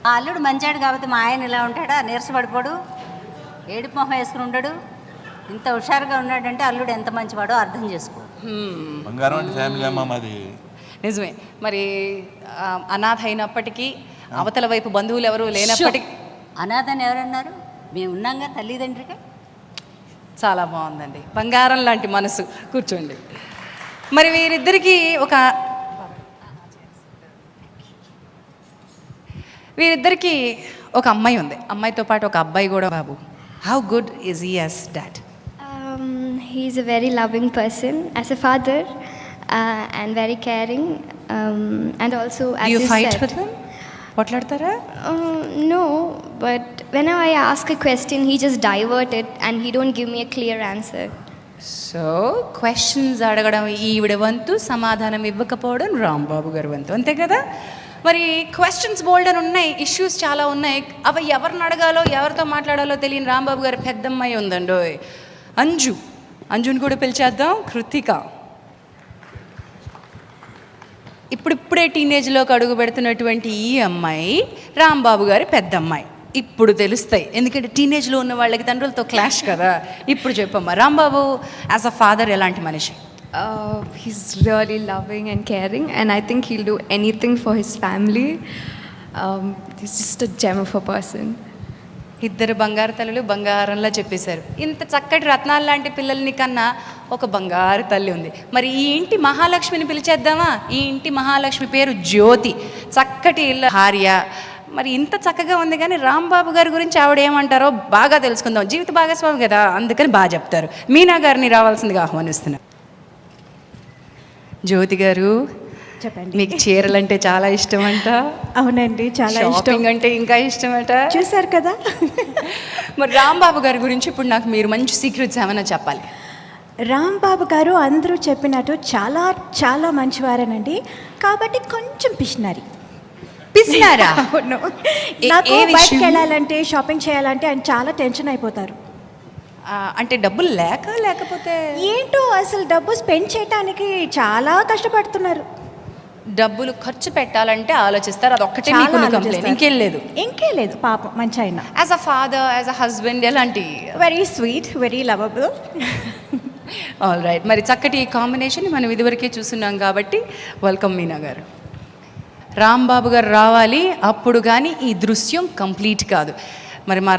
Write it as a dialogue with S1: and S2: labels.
S1: ఆ అల్లుడు మంచాడు కాబట్టి మా ఆయన ఇలా ఉంటాడా, నీరసపడిపోడు, ఏడుపు మొహం వేసుకుని ఉండడు. ఇంత హుషారుగా ఉన్నాడంటే అల్లుడు ఎంత మంచివాడో అర్థం చేసుకో.
S2: బంగారం అంటే ఫ్యామిలీ అమ్మ మాది.
S3: నిజమే. మరి అనాథ అయినప్పటికీ అవతల వైపు బంధువులు ఎవరు లేనప్పటికీ.
S1: అనాథని ఎవరన్నారు? మేము ఉన్నాగా తల్లిదండ్రిగా.
S3: చాలా బాగుందండి, బంగారం లాంటి మనసు. కూర్చోండి. మరి వీరిద్దరికీ ఒక అమ్మాయి ఉంది, అమ్మాయితో పాటు ఒక అబ్బాయి కూడా. బాబు, how good is he as dad?
S4: He's a very loving person as a father and very caring and also as
S3: you fight
S4: said,
S3: with him? పోట్లాడతారా?
S4: No, but whenever I ask a question he just divert it and he don't give me a clear answer.
S3: So questions అడగడం ఈవిడ వంతు, సమాధానం ఇవ్వకపోవడం రాంబాబు గారి వంతు, అంతే కదా? మరి క్వశ్చన్స్ బోల్డ్ అని ఉన్నాయి, ఇష్యూస్ చాలా ఉన్నాయి. అవి ఎవరిని అడగాలో ఎవరితో మాట్లాడాలో తెలియని రాంబాబు గారి పెద్దమ్మాయి ఉందండి, అంజుని కూడా పిలిచేద్దాం. కృతిక ఇప్పుడిప్పుడే టీనేజ్లోకి అడుగు పెడుతున్నటువంటి ఈ అమ్మాయి రాంబాబు గారి పెద్దమ్మాయి. ఇప్పుడు తెలుస్తాయి, ఎందుకంటే టీనేజ్లో ఉన్న వాళ్ళకి తండ్రులతో క్లాష్ కదా. ఇప్పుడు చెప్పమ్మా, రాంబాబు యాజ్ అ ఫాదర్ ఎలాంటి మనిషి?
S5: He's really loving and caring, and I think he'll do anything for his family. He's just a gem of a person.
S3: ఇద్దరు బంగారు తల్లులు బంగారంలా చెప్పేశారు. ఇంత చక్కటి రత్నాలు లాంటి పిల్లల్ని కన్నా ఒక బంగారు తల్లి ఉంది. మరి ఈ ఇంటి మహాలక్ష్మిని పిలిచేద్దామా? ఈ ఇంటి మహాలక్ష్మి పేరు జ్యోతి, చక్కటి ఇళ్ళ భార్య. మరి ఇంత చక్కగా ఉంది, కానీ రాంబాబు గారి గురించి ఆవిడ ఏమంటారో బాగా తెలుసుకుందాం. జీవిత భాగస్వామి కదా, అందుకని బాగా చెప్తారు. మీనా గారిని రావాల్సిందిగా ఆహ్వానిస్తున్నారు. జ్యోతి గారు,
S6: చెప్పండి.
S3: మీకు చీరలంటే చాలా ఇష్టం అంట.
S6: అవునండి, చాలా ఇష్టం.
S3: షాపింగ్ అంటే ఇంకా ఇష్టమట.
S6: చూశారు కదా.
S3: మరి రాంబాబు గారి గురించి ఇప్పుడు నాకు మీరు మంచి సీక్రెట్స్ ఏమైనా చెప్పాలి.
S6: రాంబాబు గారు అందరూ చెప్పినట్టు చాలా చాలా మంచివారేనండి, కాబట్టి కొంచెం పిసినారి.
S3: పిసినారా?
S6: అవును. నాకు బయటకు వెళ్ళాలంటే, షాపింగ్ చేయాలంటే ఆయన చాలా టెన్షన్ అయిపోతారు.
S3: అంటే డబ్బులు లేకపోతే
S6: ఏంటో అసలు డబ్బు స్పెండ్ చేయడానికి చాలా కష్టపడుతున్నారు.
S3: డబ్బులు ఖర్చు పెట్టాలంటే ఆలోచిస్తారు, అది ఒక్కటే మీకు కంప్లైంట్, ఇంకేం లేదు.
S6: పాపం మంచి ఆయన.
S3: As a father, as a husband ఎలాంటి?
S6: Very sweet, very lovable.
S3: All right. మరి చక్కటి ఈ కాంబినేషన్ మనం ఇదివరకే చూస్తున్నాం కాబట్టి వెల్కమ్ మీనా గారు. రాంబాబు గారు రావాలి, అప్పుడు కానీ ఈ దృశ్యం కంప్లీట్ కాదు. మరి మా